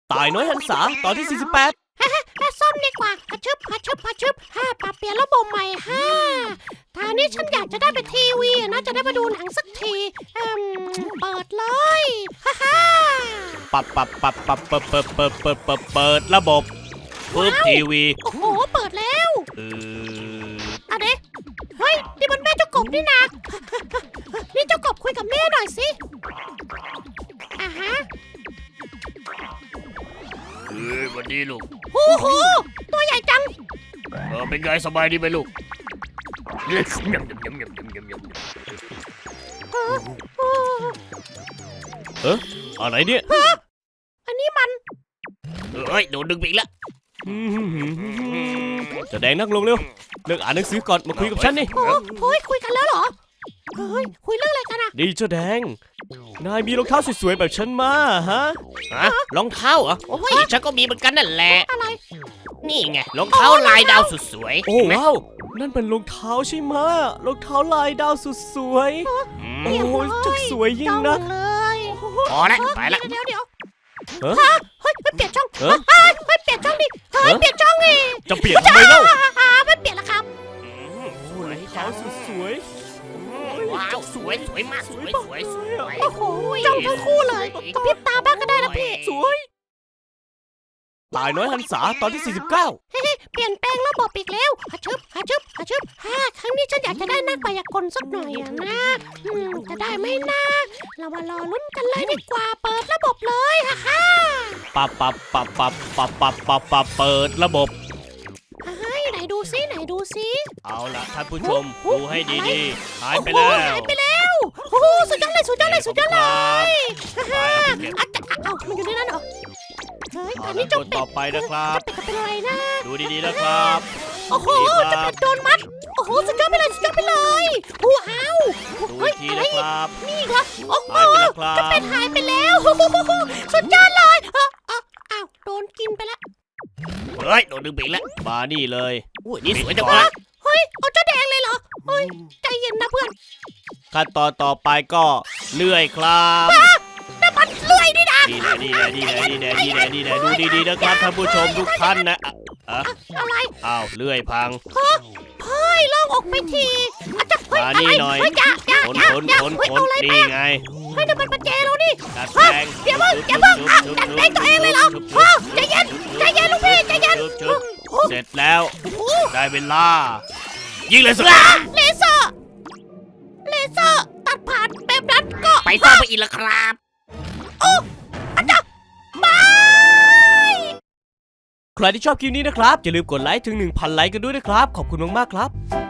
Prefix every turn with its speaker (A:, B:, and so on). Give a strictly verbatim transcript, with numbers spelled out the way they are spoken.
A: ตายน้อยหันษาตอนที่สี่สิบแปด
B: ฮ่าฮ่าซ่อมดีกว่าฮัชึบฮัชึบฮัชึบฮ่าปรับเปลี่ยนระบบใหม่ฮ่าทางนี้ฉันอยากจะได้ไปทีวีนะจะได้มาดูหนังสักทีเอ่มเปิดเลยฮ่าฮ่า
A: ปับปับปับปับเปิดเปิดเปิดเปิดเปิดเปิดระบบปึ๊บทีวี
B: โอ้โหเปิดแล้ว
A: เออ
B: เอาเด็เฮ้ยนี่มันแม่เจ้ากบนี่นะนี่เจ้ากบคุยกับแม่หน่อยสิอ่าฮะ
C: เฮ้ยวันนี้ลูก
B: โอ้โหตัวใหญ่จัง
C: เออเป็นไงสบายดีไหมลูกเล็กยำยำยำยำยำยำยำ
A: เอออะไรเนี่ย
B: อันนี้มัน
C: เฮ้ยโดนดึงไปอีกแล้ว
A: จะแดงนั่งลงเร็วเลิกอ่านหนังสือก่อนมาคุยกับฉันนี่
B: โอ้ยคุยกันแล้วเหรอเฮ้ยคุยเรื่องอะไรกันอะ
A: ดีเจ้าแดงนายมีรองเท้าสวยๆแบบฉันมาฮะ
C: ฮะรองเท้าเหรอโอ้ยฉันก็มีเหมือนกันนั่นแหละ
B: อะไร
C: นี่ไงรองเท้าลายดาวสุดสวย
A: โอ้ว้าวนั่นเป็นรองเท้าใช่ไหมรองเท้าลายดาวสุดสวยโอ้ยจักสวยยิ่งนัก
B: เลย
C: พอแล้วไปละ
B: เดี๋ยวเดี๋ยว
A: เฮ้ย
B: เฮ้ยไม่เปลี่ยนช่องเฮ้ยไม่เปลี่ยนช่องดิเฮ้ยเปลี่ยนช่องดิ
A: จะเปลี่ยนทำไมเล่า
B: ไม่เปลี่ยนละครับ
A: รองเท้าสุดสวย
C: ว้าวสวยสวยมากสวยสวยสวย
B: โอ้โหจ้องทั้งคู่เลยกระพริบตาบ้างก็ได้นะพี่
A: สวยตายน้อยหันษาตอนที่สี่สิบเก้า
B: เฮ้เปลี่ยนแปลงระบบอีกแล้วฮัชึบฮัชึบฮัชึบฮ่าครั้งนี้ฉันอยากจะได้นักพยากรณ์สักหน่อยอะนะอืมจะได้ไหมนะเรามารอลุ้นกันเลยดีกว่าเปิดระบบเลยฮ่าฮ่า
A: ปับปับปับปับปับปับปับปับเปิดระบบ
B: เฮ้ยไหนดูซิไหนดูซิ
A: เอาล่ะท่านผู้ชมดูให้ดีๆหายไปแล้ว
B: หายไปแล้วโอ้โหสุดยอดเลยสุดยอดเลยสุดยอดเลยฮ่าอาจจะเอ้ามันอยู่ในนั้นเหรอเฮ้ยตอนนี้จะเป็ด
A: ต่อไปนะครับ
B: จะเป็ดจะเป็นอะไรนะ
A: ดูดีๆนะครับ
B: โอ้โหจะเป็ดโดนมัดโอ้โหสุดยอดไปเลยสุดยอดไปเลยว้าว
A: ดูอีกทีนะครับ
B: นี่เหรอโอ้โหจะเป็ดหายไปแล้วสุดยอดเลยเอ้าโดนกินไปแล้ว
C: เฮ้ยโดนดึงไปอีกแล้ว
A: มานี่เลย
C: อุ้ยนี่สวยจังเลย
B: เฮ้ยเอาเจ้าแดงเลยเหรอเฮ้ยใจเย็นนะเพื่อน
A: ขั้นตอนต่อไปก็เลื่อยครับ
B: น้ำมันเลื่อยนี่นะ
A: ดีนะดีนะดีนะดีนะดีนะดีนะดูดีๆนะครับท่านผู้ชมทุกท่านนะ
B: อะอะไร
A: อ้าวเลื่อยพัง
B: เฮ้ยลองออกไปที
A: มานี่หน่อยขนขนขนขนนี่ไง
B: เฮ้ยนี่มันประแจเรานี่
A: ดัดแปลง
B: เดี๋ยวมึงเดี๋ยวมึงดัดแปลงตัวเองเลยเหรอใจเย็นใจเย็นลูกพี่ใจเย็น
A: เสร็จแล้วได้เวลายิงเลยสิ
B: เลเซอร์เลเซอร์ตัดผ่านแบบนั้นก็
C: ไปซ่อมไปอีกแล้วครับ
B: โอ้อาจารย์บาย
A: ใครที่ชอบคลิปนี้นะครับอย่าลืมกดไลค์ถึง หนึ่งพัน ไลค์กันด้วยนะครับขอบคุณมากๆครับ